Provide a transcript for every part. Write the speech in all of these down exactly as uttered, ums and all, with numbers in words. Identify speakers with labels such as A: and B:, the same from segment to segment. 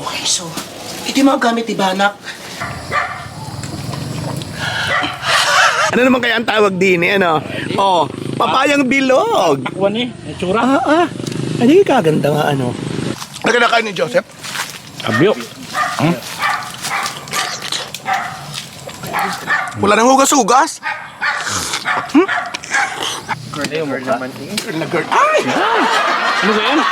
A: Okay, so, ito yung mga gamit ni Banak.
B: Ano naman kaya ang tawag din eh, ano? Oh, papayang bilog.
C: Takwan eh, may tsura.
B: Ah, ah. Hindi kaganda nga, ano? Naganda kayo ni Joseph?
C: Abyo. Hmm?
B: Wala nang hugas-hugas. Hmm?
C: Girl naman eh.
B: Girl na girl. Ay!
C: Ano ba yan?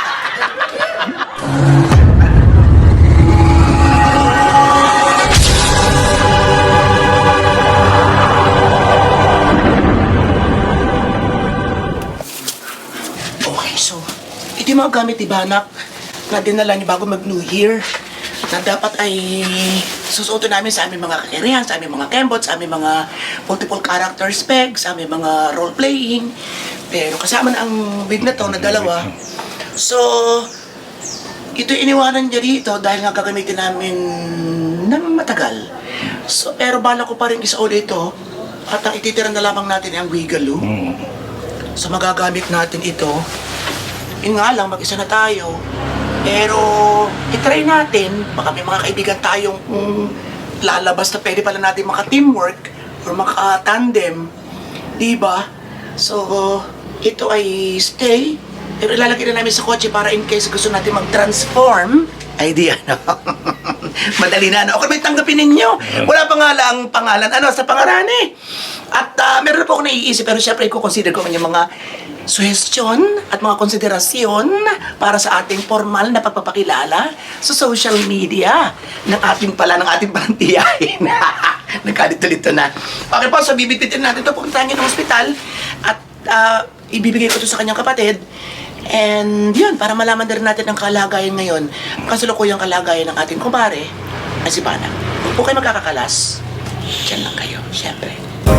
A: Okay, so, ito yung mga gamit ni Banak na dinala niyo bago mag-New Year na dapat ay susuotin namin sa aming mga kakirihan, sa aming mga kembot, sa aming mga multiple character specs, sa aming mga role-playing. Pero kasama na ang wig na to na dalawa. So, ito iniwanan niya dito dahil nga gagamitin namin ng matagal. So, pero bala ko pa rin isa ulit ito at ang ititira na lamang natin ay ang Wigaloo. So, magagamit natin ito. Yun nga lang, mag-isa na tayo. Pero, itry natin, baka may mga kaibigan tayong mm, lalabas na pwede pala natin maka-teamwork or maka-tandem. Diba? So, ito ay stay. Pero ilalagay na namin sa kotse para in case gusto natin mag-transform. Ay, di ano. Madali na, ano. Okay, may tanggapin ninyo. Wala pa nga lang pangalan, ano, sa pangalan eh. At uh, meron na po ako naiisip, pero syempre, i-consider ko yung mga suggestion at mga konsiderasyon para sa ating formal na pagpapakilala sa social media ng ating pala, ng ating palang tiyahin. Nagkalito-lito na. Okay po, so bibitbitin natin ito. Pupuntahan niyo ng ospital at uh, ibibigay ko ito sa kanyang kapatid. And yun, para malaman na rin natin ang kalagayan ngayon, ang kasalukuyang kalagayan ng ating kumare, ay si Banak. Huwag po kayo magkakakalas. Diyan lang kayo, syempre.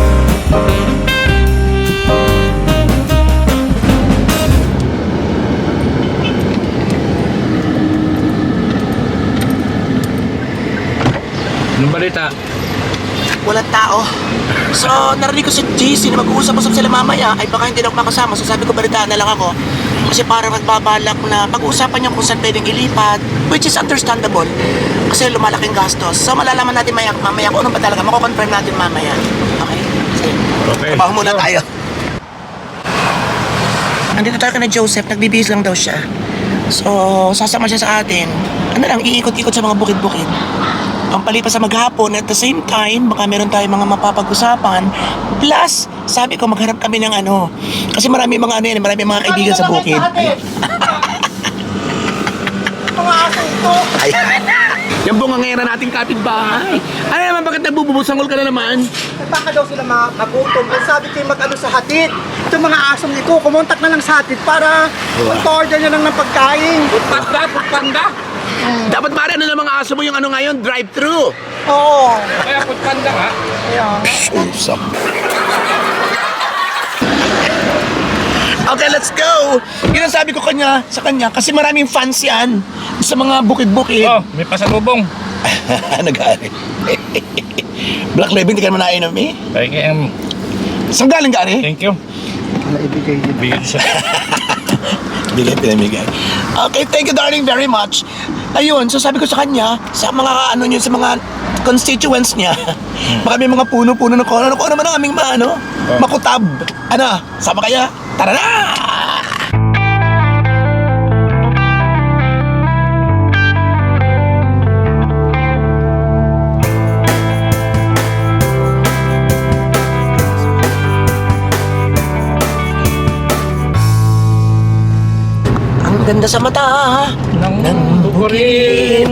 C: Anong balita?
A: Walang tao. So, narinig ko si J C na mag-uusap-usap sila mamaya, ay baka hindi na ako makasama. So, sabi ko, balitaan na lang ako. Kasi parang nagbabalak na pag-uusapan niya kung saan pwedeng ilipat, which is understandable. Kasi lumalaking gastos. So, malalaman natin maya, mamaya kung anong ba talaga. Mako-confirm natin mamaya. Okay? Sige.
C: Okay.
A: Trabaho muna tayo. Nandito tayo ka na Joseph, nagbibihis lang daw siya. So, sasama siya sa atin. Ano lang, iikot-ikot sa mga bukid-bukid. Ang palipas sa maghapon, at the same time, baka meron tayong mga mapapag-usapan. Plus, sabi ko, magharap kami ng ano. Kasi marami mga ano yan, marami mga kaibigan sa bukid.
D: Mga aso ito.
A: Ayan.
B: Yan po nga ngayon nating kapitbahay. Ano naman, bakit nagbububusangol ka na naman?
D: Baka daw sila ma magutom. Ang sabi ko yung mag-ano sa hatid. Itong mga asong ito, kumontak na lang sa hatid para mag-order nyo lang ng pagkain.
C: Panda, panda.
B: Dapat pare, ano ng mga aso mo yung ano ngayon, drive-thru.
D: Oo.
C: Kaya panda nga.
D: Ayan.
B: Usap. Okay, let's go! Yun ang sabi ko kanya, sa kanya, kasi maraming fans yan sa mga bukid-bukid.
C: Oh, may pasalubong.
B: Nag-aarit. Black Label, hindi ka naman nainom eh.
C: Thank you. Um,
B: Saan galing ka eh?
C: thank you.
D: Wala ibigay din.
C: Bigyan siya.
B: Bigay, pinamigay. Okay, thank you darling very much. Ayun, so sabi ko sa kanya, sa mga ano niyo, sa mga constituents niya, baka may mga puno-puno na kung ano, kung ano man ang aming mga ano,
C: Oh.
B: makutab. Ano, sama kaya? Tara na!
A: Ang ganda sa mata.
C: Nang bukurin.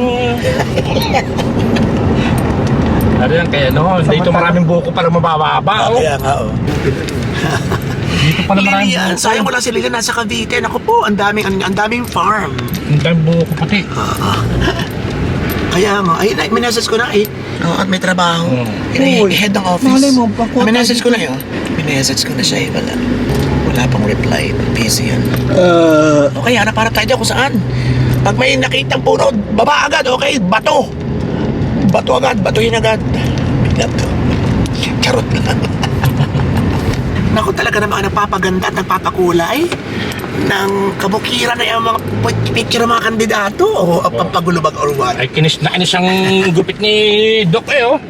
C: Ano yan, kaya no, dito maraming buko para mabababa. Oh.
B: Kaya nga, oh.
C: Dito pala maraming
A: Lilian,
C: buko.
A: sayang wala si Lilian nasa Cavite. Naku po, ang daming, ang, ang daming farm.
C: Ang daming buko pati.
A: Kaya nga, ay, may message ko na eh. Oo, at may trabaho.
C: Hmm.
A: Ini head ng office.
D: Malay mo, pagkuha
A: May message ko na yun. May message ko na siya eh. Wala. Wala pang reply. Busy yan.
B: Uh,
A: Okay, hanap para tayo dyan kung saan. Pag may nakitang puno, baba agad, okay? Bato. Bato agad, batuhin agad. Bigla to. Charot lang.
B: Naku, talaga naman nagpapaganda at nagpapakulay ng kabukiran na yung mga picture ng mga kandidato o pampagulubag or what.
C: Ay, kinis na kinis ang gupit ni Doc eh, oh.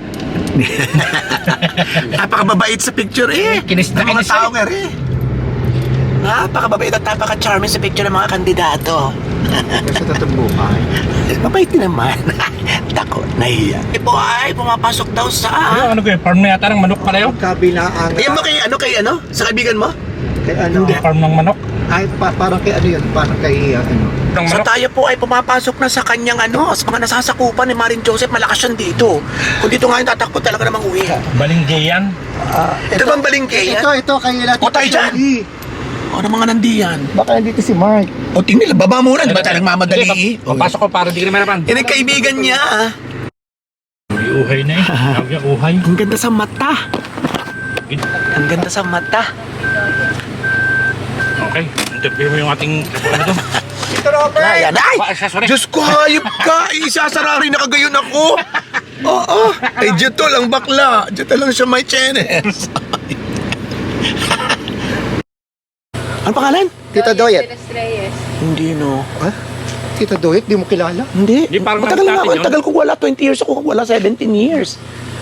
B: Napakababait sa picture eh.
C: Kinis na
B: Ng mga
C: kinis
B: tao
C: eh.
B: nga rin. Napakababait at napaka-charming sa picture ng mga kandidato.
D: Sa totoong buhay.
B: Mabait din naman. Tako, nahiya. Ipo ay pumapasok daw sa...
C: Ano, ano ko farm na yata ng manok pala yun?
D: Kabilaan.
B: Ayan mo kay ano, kay ano? Sa kaibigan mo?
D: Kay ano?
C: Farm ng manok?
D: Ay, pa, parang kay ano yun? Parang kay ano?
C: Ng
B: So
C: manok?
B: tayo po ay pumapasok na sa kanyang ano, sa mga nasasakupan ni Maring Joseph, malakas yan dito. Kung dito nga yung tatakbo talaga namang uwi.
C: Balingge yan.
B: Ito bang balingke yan?
D: Ito, ito, kay Lati
B: O, tayo dyan. O, ano mga nandiyan?
D: Baka nandito si Mark.
B: O, tingnan, baba muna, di ba tayo nagmamadali?
C: Sige, papasok ko para di ka naman naman.
B: Yan ang kaibigan niya. ah.
C: May uhay na eh. Tawag niya uhay.
B: Ang ganda sa mata. Ang ganda sa mata.
C: Okay, interview mo yung ating ano to.
D: Ito, Robert!
B: Ayan, ay!
C: Ba, sorry.
B: Diyos ko, hayop ka! Isasara rin na kagayon ako! Oo, ay dito lang bakla. Dito lang siya may chenes. Ano pangalan?
D: Tita Doyet.
E: Reyes.
B: Hindi no.
D: Ha? Tita Doyet, di mo kilala?
B: Hindi.
C: Di, parang
B: Matagal nga
C: natin
B: ako.
C: yun.
B: Tagal ko wala. twenty years ako wala. seventeen years.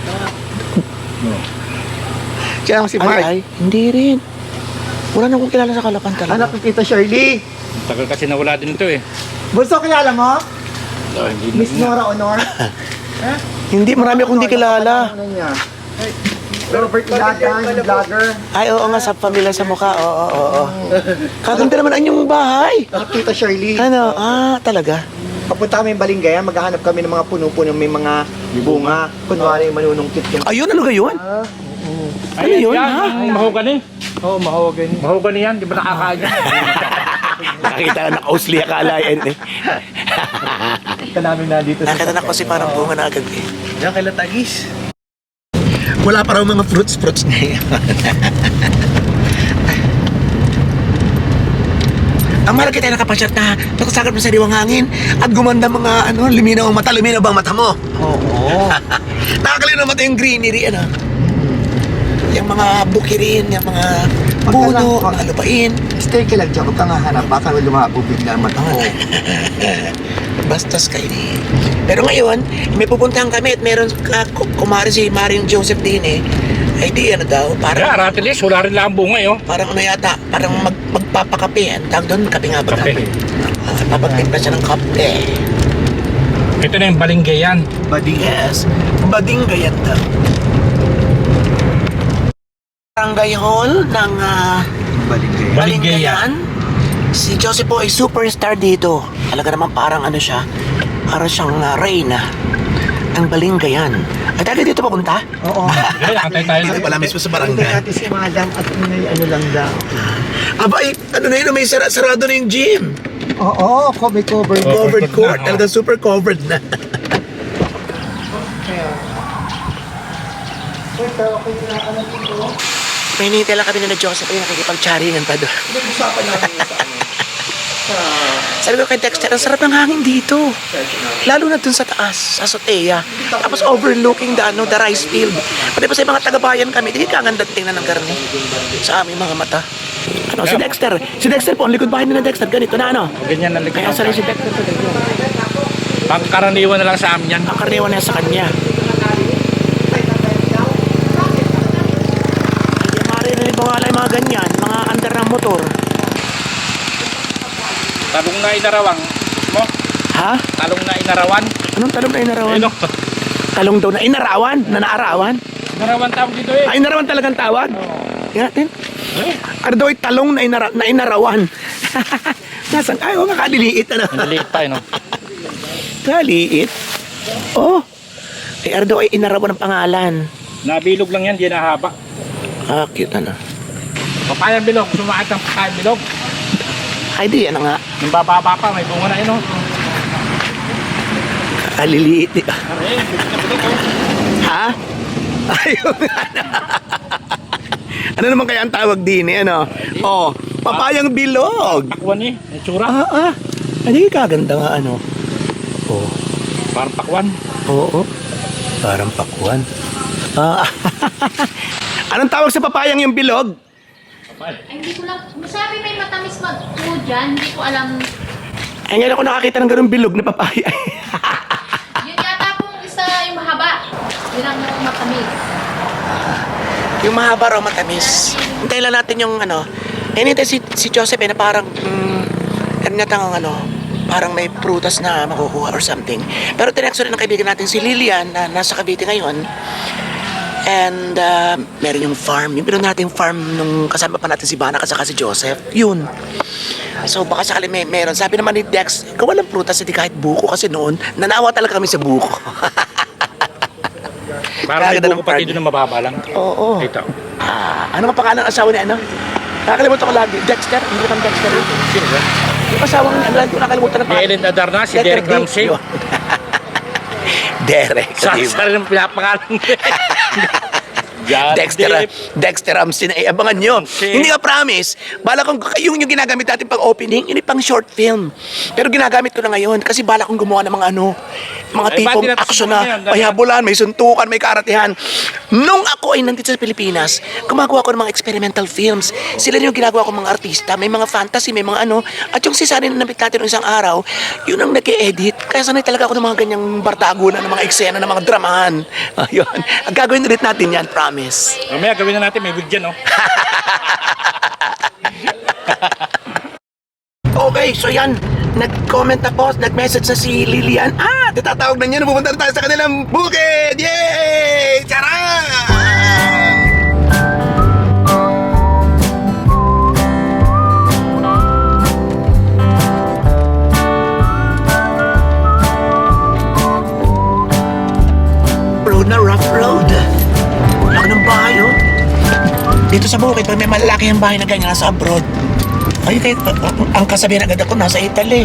D: Siya lang si Mark.
B: Ay, ay. Hindi rin. Wala na akong kilala sa Kalapan talaga.
D: Anak ni Tita Shirley.
C: Tagal kasi nawala din ito eh.
D: Bunso, kilala mo?
C: Oh, hindi
D: Miss Nora Honor?
B: Hindi, marami akong hindi kilala.
D: Ano niya? Robert Ilagan, yung vlogger.
B: Ay, oo nga, sa pamilya sa mukha. Oo, oo, oo. Kaganda naman ang inyong bahay.
D: Ah, Tita Shirley.
B: Ano? Ah, talaga?
D: Papunta kami yung Balingaya, maghahanap kami ng mga puno-puno may mga bunga. Kunwari manunungkit yung...
B: Ayun, ano gayon?
D: Ah,
B: Ano yun,
C: yan,
B: ha?
C: ang mahogany.
D: Oo, oh, mahogan.
C: Mahogany yan, di ba nakakain yan?
B: Nakakita ka nakausli akala. Eh.
D: Ito namin na dito
B: Nakita na ko si parang bunga na agad eh.
D: Yan, kay Latagis.
B: Wala pa raw mga fruits-fruits ngayon. Ang mahal kita nakapasyat na nakasagap na sa diwang hangin at gumanda mga ano, luminaw ang mata. Luminaw ba ang mata mo?
D: Oo.
B: Nakakalinaw mata yung greenery, ano? Yung mga bukirin, yung mga puno, mga lupain.
D: Stay ka lang dyan, huwag kang hahanap. Baka lumabo bigla ang mata mo.
B: Bastos kayo ni. Pero ngayon, may pupuntahan kami at meron uh, kumari si Maring Joseph din eh. Ay di ano daw,
C: Kaya,
B: parang,
C: ratilis, wala rin lang ang bunga eh, oh.
B: parang ano yata, parang mag, magpapakape. Ang tawag doon, kape nga ba?
C: Kape.
B: Uh, papagtimpla siya ng kape.
C: Ito na yung balingge yan.
B: Bading, yes. Bading gayat daw. Barangay Hall ng uh,
D: Balingay.
C: Balingayan.
B: Si Joseph po ay superstar dito. Talaga naman parang ano siya, parang siyang uh, reyna ng Balingayan. Ay, tayo dito papunta?
D: Oo.
C: Okay, antay tayo.
B: Dito pala mismo sa
D: Punta
B: barangay.
D: natin si Madam at may ano lang daw.
B: Aba, ay, ano na yun, may sara sarado na yung gym.
D: Oo, oh, may cover.
C: Oh.
B: Covered
C: Covered
B: court.
C: na, oh.
B: Talagang super covered na.
D: Ito, okay na ano dito.
B: May hinihintay lang kami na Joseph ay nakikipag-charingan pa doon.
D: Pinag-usapan natin sa ano. Sa...
B: Sabi ko kay Dexter, ang sarap ng hangin dito. Lalo na dun sa taas, sa azotea. Tapos overlooking the, ano, the rice field. Pati pa sa mga taga-bayan kami, hindi ka ganda tingnan ng karne. Sa aming mga mata. Ano, si Dexter. Si Dexter po, ang likod bahay ni Dexter. Ganito na ano.
C: Ganyan ang
B: Kaya
C: likod.
B: sa si Dexter po dito.
C: Pangkaraniwan na lang sa amin yan.
B: Ang karnewa na sa kanya. Hindi maririnig mo nga lang yung mga ganyan, mga under ng motor.
C: Talong na inarawang. Mo?
B: Ha?
C: Talong na inarawan.
B: Anong talong na inarawan?
C: Ano?
B: Talong daw na inarawan? Na naarawan?
C: Inarawan tawag dito eh.
B: Ay, inarawan talagang tawag? Tingnan natin.
C: Eh,
B: Ano daw ay talong na, inara, na inarawan? Nasaan? Ay, oh, makadiliit. Ano?
C: Naliit tayo, no?
B: Kaliit. Oh. Ay, ano daw ay inarawan ng pangalan.
C: Nabilog lang yan, di nahaba.
B: Ah, cute ano.
C: Papayang bilog, sumakit ng papayang bilog.
B: Ay, di, ano nga.
C: Yung bababa pa, may bunga na yun, no?
B: Kaliliit. Eh.
C: Eh, bilog, oh.
B: Ha? Ayun nga na. Ano naman kaya ang tawag din eh, ano? Oh, papayang bilog.
C: Pakwan eh, may tsura.
B: Ah, ah. Hindi kaganda nga, ano? Oh,
C: Parang pakwan.
B: oo. Parang pakuan. Ah, anong tawag sa papayang yung bilog?
E: Ay, hindi ko lang, masabi may matamis mag-food dyan, hindi ko alam.
B: Ay, ngayon ako nakakita ng ganung bilog na papaya.
E: Yun yata pong isa yung mahaba. Yun ang matamis.
B: Yung mahaba raw matamis. Hintayin lang natin yung ano. Eh, hintayin si, si Joseph eh, na parang, mm, ano na tang ano, parang may prutas na makukuha or something. Pero tinexo rin ng kaibigan natin si Lilian na nasa Cavite ngayon. And uh, meron yung farm. Yung pinunod natin yung farm nung kasama pa natin si Bana at saka si Joseph. Yun. So baka sakali may meron. Sabi naman ni Dex, ikaw walang prutas, hindi kahit buko kasi noon, nanawa talaga kami sa buko.
C: Parang may
B: Kaganda ng
C: buko pati
B: farm.
C: doon na mababa lang.
B: Oo.
C: Ito.
B: Ah, ano ang pangalan ng asawa ni ano? Nakakalimutan ko lagi. Dexter? Hindi kang Dexter yun.
C: Sino ba?
B: Yung asawang ano, lagi ko nakalimutan na
C: Si Ellen Adarna, si Derek
B: D.
C: Ramsey.
B: Yun. Derek.
C: Sa
B: diba?
C: sarili ng pinapangalan. God
B: Dexter,
C: Dip.
B: Dexter Ramsey na iabangan nyo.
C: Okay.
B: Hindi ka promise. Bala kong yung, yung ginagamit natin pang opening, yun yung pang short film. Pero ginagamit ko na ngayon kasi bala kong gumawa ng mga ano, mga
C: Ay,
B: tipong
C: ba't di natin
B: action
C: subukan
B: na
C: yan?
B: may habulan, may suntukan, may karatihan. Nung ako ay nandito sa Pilipinas, gumagawa ko ng mga experimental films. Sila rin yung ginagawa ko mga artista. May mga fantasy, may mga ano. At yung si Sunny na nabit natin ng isang araw, yun ang nag-e-edit. Kaya sanay talaga ako ng mga ganyang bardagulan, ng mga eksena, ng mga dramahan. Ayun. Ang gagawin ulit natin yan, promise.
C: Mamaya gawin na natin, may wig dyan, oh.
B: Okay, so yan. Nag-comment na po, nag-message na si Lilian. Ah, tatatawag na niya na pupunta na tayo sa kanilang bukid! Yay! Charang! Road na rough road. Laki ng bahay, oh. Dito sa bukid, pag may malalaki ang bahay na ganyan, nasa abroad. Ay, kahit ang kasabihan agad ako, nasa Italy.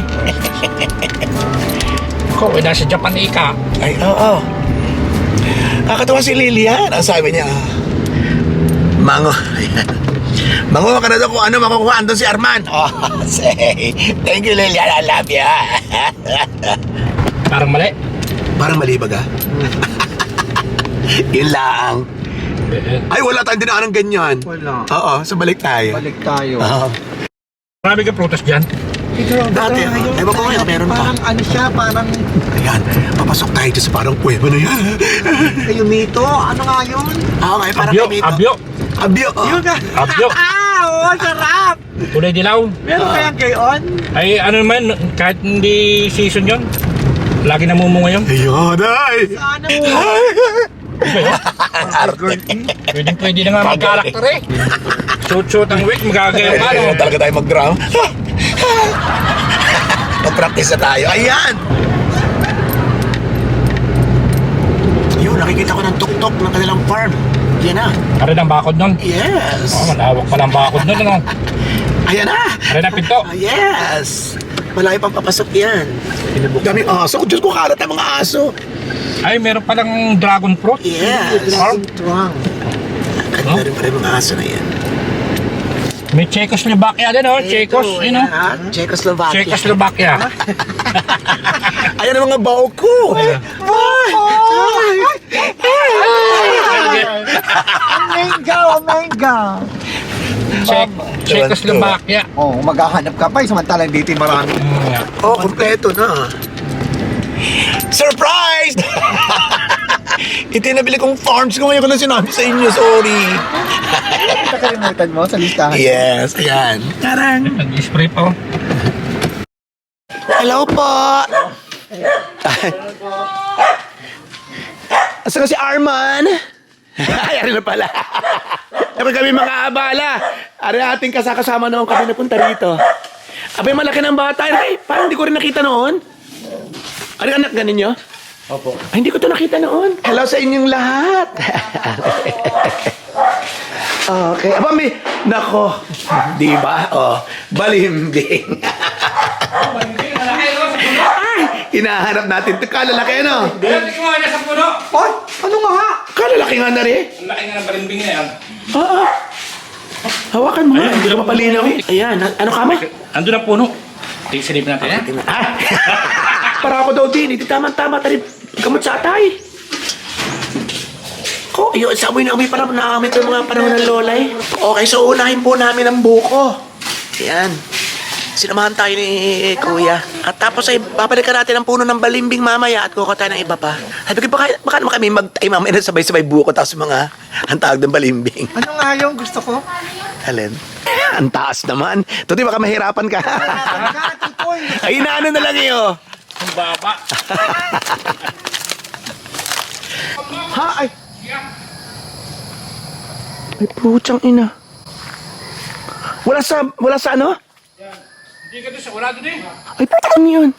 C: Ikaw, eh, nasa Japan ika.
B: Ay, oo. Kakatawa si Lilian. Ang sabi niya, Mango. Ayan. Mango ka na daw kung ano makukuha. Andun si Arman. Oh, say, thank you, Lilian. I love you.
C: Parang mali.
B: Parang mali ba ka? Yun lang.
C: Eh,
B: Ay, wala tayong dinaan ng ganyan.
D: Wala.
B: Oo, so balik tayo.
D: Balik tayo.
B: Oo.
C: Marami ka prutas dyan.
D: Ito,
B: Dati,
D: ito, ngayon,
B: ewan ko ngayon, meron pa.
D: Parang ano siya, parang
B: Ayan, papasok tayo dito sa parang puweba na yan.
D: kayo mito. Ano nga yun?
B: Oo, nga, parang
C: Abyo,
B: kami ito.
C: abyo.
B: Abyo, oh.
D: Yun ka.
C: Abyo.
D: Ah, oo, sarap.
C: Kulay dilaw.
D: Meron
B: Ah.
D: kayang gayon?
C: Ay, ano naman, kahit hindi season yon, lagi namumunga yun.
B: Ayun, ay.
D: Sana mo.
C: Pwede, pwede na nga mag-karakter eh. Shoot-shoot ang wig, magagayon ka, no?
B: Ayun, talaga tayo mag-drum. Mag-practice na tayo. Ayan! Yun, nakikita ko ng tuk-tuk ng kanilang farm. Yan na.
C: Aray ang bakod nun.
B: Yes.
C: Oh, malawak pa lang bakod nun, ano?
B: Ayan na.
C: Aray ang pinto.
B: Ah, yes. Malayo pang papasok yan. Daming aso. Diyos ko, karat ang mga aso.
C: Ay, meron palang dragon fruit.
B: Yes.
C: Farm.
D: Tuwang.
B: Ganda rin pala yung mga aso na yan.
C: May Czechoslovakia din, oh. Czechos, yun, oh.
B: Ha? Czechoslovakia.
C: Czechoslovakia.
B: Ayan ang mga bao ko. Ay! Ay!
D: Ang mangga, ang mangga.
C: Czech, Czechoslovakia.
D: Oh, maghahanap ka pa, eh, samantalang dito yung marami.
C: Mm, yeah.
B: Oh, kompleto na. Surprise! Ito yung nabili kong farms ko ngayon ko na sinabi sa inyo. Sorry.
D: Nakalimutan mo sa listahan.
B: Yes, ayan. Tarang.
C: Nag-spray pa, oh.
B: Hello po. Asa ka si Arman? Ay, ari na pala. Dapat kami mga abala. Ari ating kasakasama noon kami napunta rito. Abay, malaki ng bata. Ay, parang hindi ko rin nakita noon. Ari, anak ganin nyo? Opo. Ay, hindi ko to nakita noon. Hello sa inyong lahat. Okay. Aba, may... Nako. Di ba? Oh, balimbing. Ay, hinahanap natin. Ito, kalalaki, ano?
C: Tingnan mo, nasa puno.
D: Oy, ano nga ha?
B: Kalalaki nga na rin.
C: Ang laki nga ng barimbing na yan.
B: Oo. Hawakan mo nga. Hindi ko mapalinaw eh. Ayan. Ano ka mo?
C: Andun ang puno. Tingsilip natin, eh.
B: Ah. Para ako daw din. Hindi tama-tama tayo. Gamot sa atay. Ko, ayun, sa amoy na amoy para naamit yung mga panahon ng lola eh. Okay, so unahin po namin ang buko. Ayan. Sinamahan tayo ni Kuya. At tapos ay babalikan natin ang puno ng balimbing mamaya at kukuha tayo ng iba pa. Sabi ko, baka, baka naman kami mag-time mamaya na sabay-sabay buko tapos mga ang tawag ng balimbing.
D: Ano nga yung gusto ko?
B: Alin? Ang taas naman. Tuti, baka mahirapan ka. Ay, inaano na lang iyo.
C: Ang baba.
B: Ha? Ay. Ay, puchang ina. Wala sa, wala sa ano?
C: Hindi ka doon sa, wala doon eh.
B: Ay, putang yun.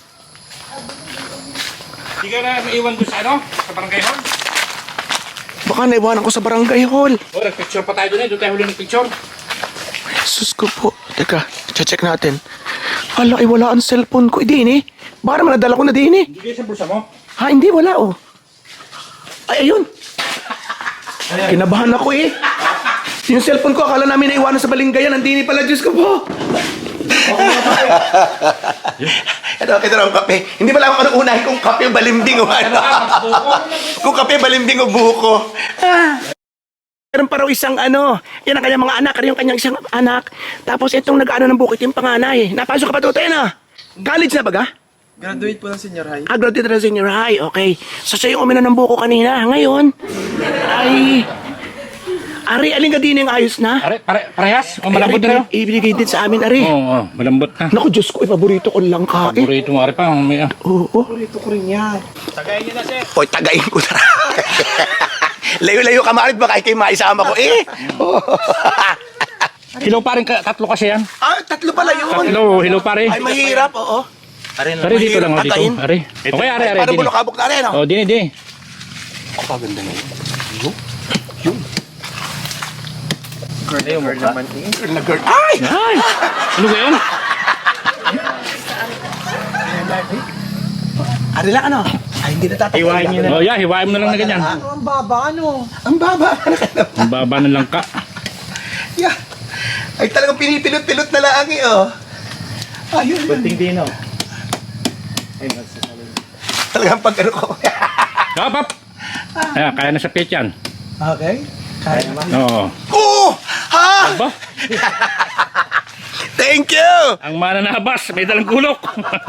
C: Hindi ka na maiwan doon sa ano? Sa barangay hall.
B: Baka naiwanan ko sa barangay hall.
C: O, nagpicture pa tayo doon eh. Doon tayo huli ng picture.
B: Jesus ko po. Teka, check natin. Hala, ay wala ang cellphone ko. Hindi, eh. Baka naman nadala ko na din, eh.
C: Hindi kayo sa bulsa mo?
B: Ha, hindi, wala, oh. Ay, ayun. Kinabahan ako, eh. Yung cellphone ko, akala namin naiwanan sa balingayan. Nandini pala, Diyos ko po. Ito, ito lang kape. Hindi pala ako ano unahin kung kape o balimbing o ano. Kung kape, balimbing o buko. Ah. Meron pa raw isang ano, yan ang kanyang mga anak, yung kanyang isang anak. Tapos itong nag-ano ng bukit, yung panganay. Napasok ka pa tutoy na. College na baga?
D: Graduate po ng senior high.
B: Ah, graduate na ng senior high, okay. So siya yung uminom ng buko kanina. Ngayon, ay... Ari, alin ka din yung ayos na?
C: Are, pare, parehas? O malambot na rin?
B: Ibigay din sa amin, Ari.
C: Oo, oh, malambot na.
B: Naku, Diyos ko, eh, paborito ko lang kain.
C: Paborito mo, Are pa. May, ah.
B: Oo.
D: Paborito ko rin yan.
C: Tagayin niyo na, sir.
B: Hoy, tagayin ko na. Layo-layo ka marit, baka ikay maisama ko eh.
C: Hilaw pa rin, ka- tatlo kasi yan.
B: Ah, tatlo pala yun.
C: Tatlo, hilaw pa rin.
B: Ay, mahirap, oo.
C: Are, dito lang, oh, dito.
B: Tagayin.
C: Are. Okay, Are, Are,
B: Parang
C: dini.
B: bulokabok na rin,
C: Oh,
B: no?
C: dini, dini.
B: Kapaganda na yun.
D: Girl, girl naman eh.
B: Girl na girl. Ay!
C: Ay! Ano ba yun?
B: Ari lang, ano? Ay, hindi natatapunan.
C: Hiwain niyo na. Oh, yeah, hiwain mo na lang na ganyan.
D: Ano ang baba, ano?
B: Ang baba.
C: Ang baba ng langka.
B: Yeah. Ay, talagang pinipilot-pilot na lang eh, oh. Ayun.
C: Kunting dino.
B: Talagang pag ano ko.
C: Hop, hop! Ayan, kaya na sa pitch yan.
D: Okay. Kaya naman.
C: Oo.
B: Oo! Ha?
C: Aba,
B: Thank you!
C: ang mana na habas, may dalang gulok.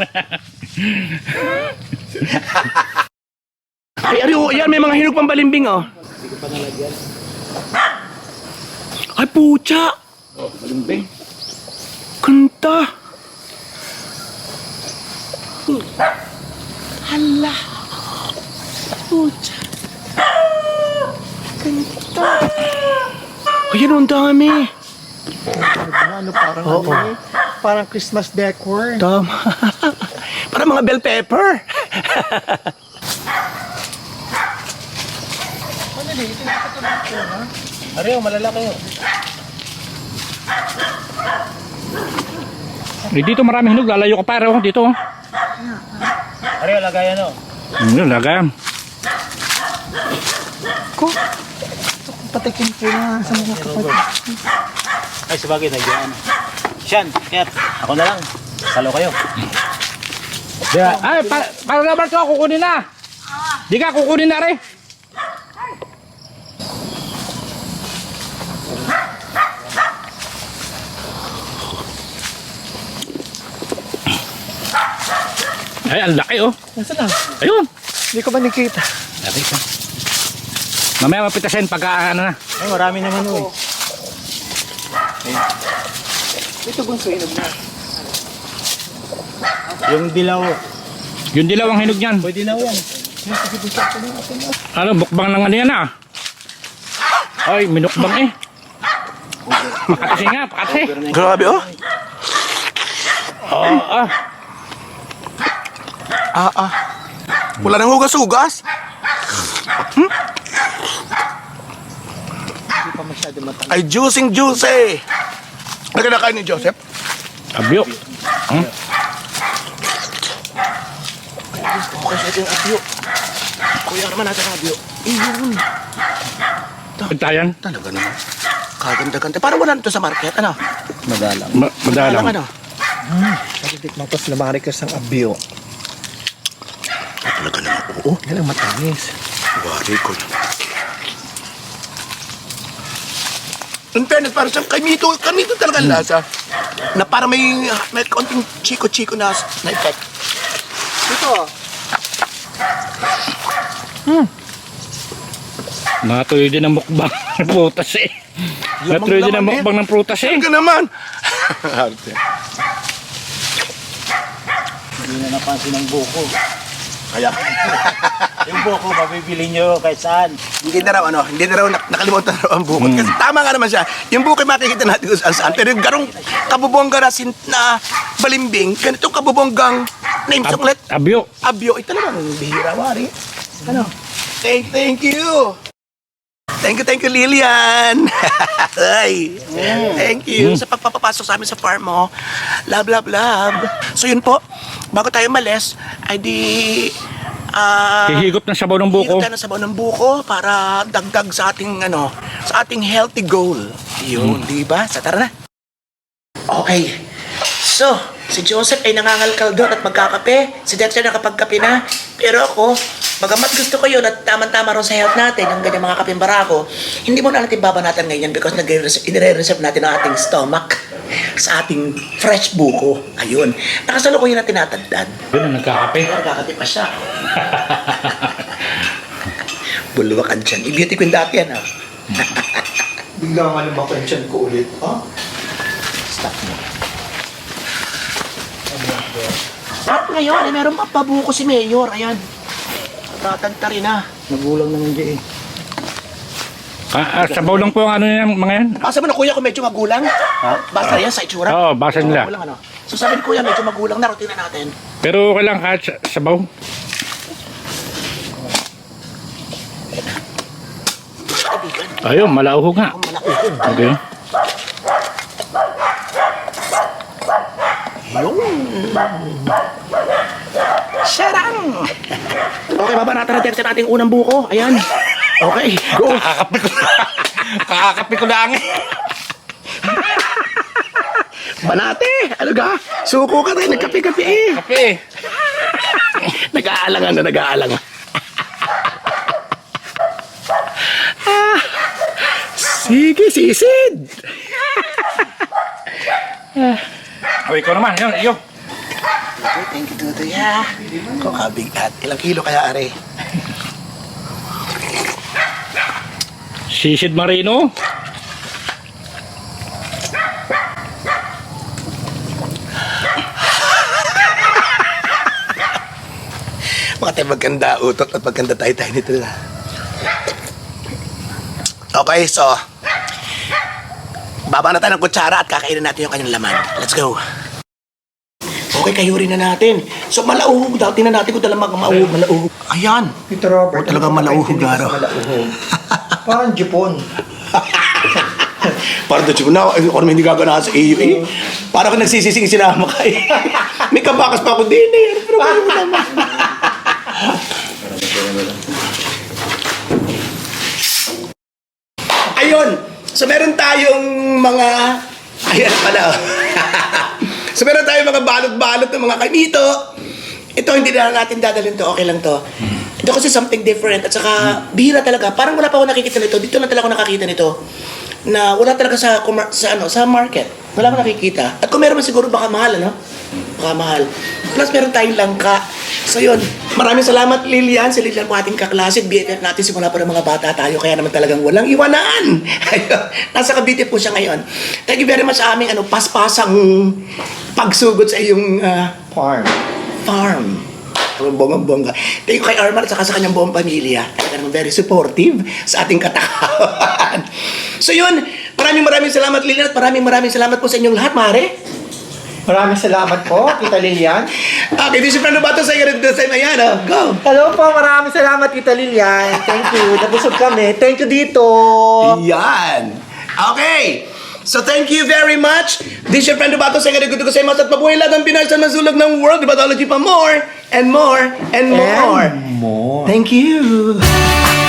B: Ay, ari, oh, yan, may mga hinog pang balimbing, oh. Ay, pucha!
C: Oh, balimbing.
B: Kanta! Hala! Pucha! Kanta! Ayan, ang dami!
D: Ano, parang ano eh. Parang Christmas decor.
B: Tama. Para mga bell pepper.
D: Are, malalaki yun.
C: Eh, dito marami hinog, lalayo ka pa, oh, dito. Oh.
D: Are, lagayan o.
C: Hmm, lagayan.
D: Ko. Patikin po na sa mga kapatid.
F: Ay, sabagay, nagyan. Siyan, Kat, ako na lang. Salo kayo.
C: Yeah. Ay, pa para naman ko, kukunin na. Di ka, kukunin na rin. Ay, ang laki, oh.
D: Nasaan na?
C: Ayun.
D: Hindi ko ba nakita?
C: Laki ka. Mamaya mapitasin pagka ano na.
F: Ay, marami naman oh.
D: Ito bunso, inog na.
F: Yung dilaw,
C: Yung dilaw ang hinog niyan.
F: pwede na yan.
C: Ano, bukbang ng ano yan ah. Ay, minukbang eh. Pakatsi nga, pakatsi.
B: Grabe, oh.
C: Oo, ah.
B: Ah, ah. Wala nang hugas-hugas. Hmm?
D: Hindi pa masyado matagal.
B: Ay, juicing juicy. Ano ka nakain ni Joseph?
C: Abyo. Hmm?
B: Okay, sa ating abyo. Kuya naman natin ang abyo. Iyon.
C: Pagtayan.
B: Talaga naman. Kaganda-ganda. Parang wala nito sa market, ano?
F: Madalang.
C: Ma madalang.
B: Ano?
D: Natitikman ko sa Lamarikas ng abyo.
B: Ay, talaga naman. Oo.
D: Yan ang matamis.
B: Wari ko. In fairness, parang siyang kamito, kamito talaga ang lasa. Na parang may, may konting chiko-chiko na, na effect.
D: Ito.
C: Natuloy din ang mukbang ng prutas eh. Natuloy din ang
B: naman, eh.
C: mukbang ng prutas eh.
B: Saan ka naman?
F: Hindi na napansin ng buko.
B: Kaya,
F: Yung buko, mabibili nyo kahit saan.
B: hindi na raw, ano, hindi na raw nak- nakalimutan na raw ang bukod. Kasi tama nga naman siya. Yung bukod makikita natin kung saan saan. Pero yung garong kabubongga na, sin- na balimbing, ganitong kabubonggang name
C: Ab-
B: suklet,
C: Abyo.
B: abyo, ay talagang bihira, wari. Ano? Thank, thank you. Thank you, thank you, Lilian. Ay, thank you sa pagpapapasok sa amin sa farm mo. Love, love, love. So yun po, bago tayo malis, ay di... ah
C: Hihigop ng sabaw ng buko.
B: higop tayo ng sabaw ng buko para dagdag sa ating, ano, sa ating healthy goal. Yun, di ba? Sa tara na. Okay. So, si Joseph ay nangangalkal doon at magkakape. Si Dexter nakapagkape na. Pero ako, bagamat gusto ko yun at tamang-tama rin sa health natin, ang ganyan mga kapimbara ko, hindi mo na natin babanatan ngayon because nire-reserve natin ang ating stomach sa ating fresh buko. Ayun. Nakasalukuyan na tinatagdan.
C: Yun ang nagkakape.
B: Nagkakape pa siya. Bulwakan dyan. I-beauty queen dati yan, ha?
D: Bigla nga lumakan siyan ko ulit. Ha?
B: Stop mo. At ngayon, eh, meron pa pabuko si Mayor. Ayan. Tatagta rin, ha?
F: Nagulang naman dyan eh.
C: Ah, ah, sabaw lang po ang ano yan, mga yan.
B: Basa mo na kuya kung medyo magulang. Basta yan sa itsura.
C: Oo, basa nila.
B: Magulang, ano? So sabi ni kuya, medyo magulang na. Tingnan natin.
C: Pero okay lang kahit sa- sabaw.
B: Kaibigan.
C: Ayun, malauho nga.
B: Ang malauhog.
C: Okay.
B: Sarang! Okay, babanatan natin sa ating unang buko. Ayan. Okay, go.
C: Kakakape ko Kakakape ko lang eh.
B: Banate! Ano ka? Suko ka rin. Nagkape-kape eh.
C: Kape.
B: Nag-aalangan na nag-aalangan. Ah, sige, sisid.
C: O, ikaw naman. Yun, iyo.
B: Okay, thank you, Tutoy. Ha? Kung kabigat. Ilang kilo kaya, are?
C: Sisid Marino.
B: Mga tayo maganda utot at maganda tayo-tayo nito na. Okay, so... Baba na tayo ng kutsara at kakainin natin yung kanyang laman. Let's go. Okay, kayurin na natin. So, malauhog daw. Tingnan natin kung talagang malauhog. Malauhog. Ayan.
D: Ito, Robert.
B: O, talagang malauhog,
D: Hindi
B: Garo.
D: mas malauhog. Parang Japon.
B: Parang doon siya na, ako naman hindi gagana sa iyo eh. Parang kung nagsisising sinama ka eh. May kabakas pa ako din eh. Pero kayo mo naman. Ayun. So meron tayong mga... Ayan pala. oh. So meron tayong mga balot-balot ng mga kanito. Ito hindi na natin dadalhin to. Okay lang to. Ito kasi something different. At saka bihira talaga. Parang wala pa ako nakikita nito. Dito lang talaga ako nakakita nito. Na wala talaga sa commer- sa ano sa market. Wala akong nakikita. At kung meron man siguro baka mahal, ano? Baka mahal. Plus meron tayong langka. So yun, maraming salamat Lilian. Si Lilian po ating kaklase. B F F natin simula pa ng mga bata tayo. Kaya naman talagang walang iwanan. Ayun. Nasa Cavite po siya ngayon. Thank you very much sa aming ano, paspasang pagsugod sa iyong ah,
D: Farm.
B: farm. Ang bonggang-bongga. Thank you kay Armar at saka sa kanyang buong pamilya. Talaga naman very supportive sa ating katakawan. So yun, maraming maraming salamat Lilian at maraming maraming salamat po sa inyong lahat, Mare.
D: Maraming salamat po, Tita Lilian.
B: Okay, this is Fernando Bato sa iyo this time. Ayan, oh, go!
D: Hello po, maraming salamat, Tita Lilian. Thank you. Nabusog kami. Thank you dito.
B: Yan! Okay! So thank you very much. This is your friend Bato sa iyo sa iyo at mabuhay lahat ng Pinay sa masulog ng world. Batology pa more and more and more.
D: And more.
B: Thank you.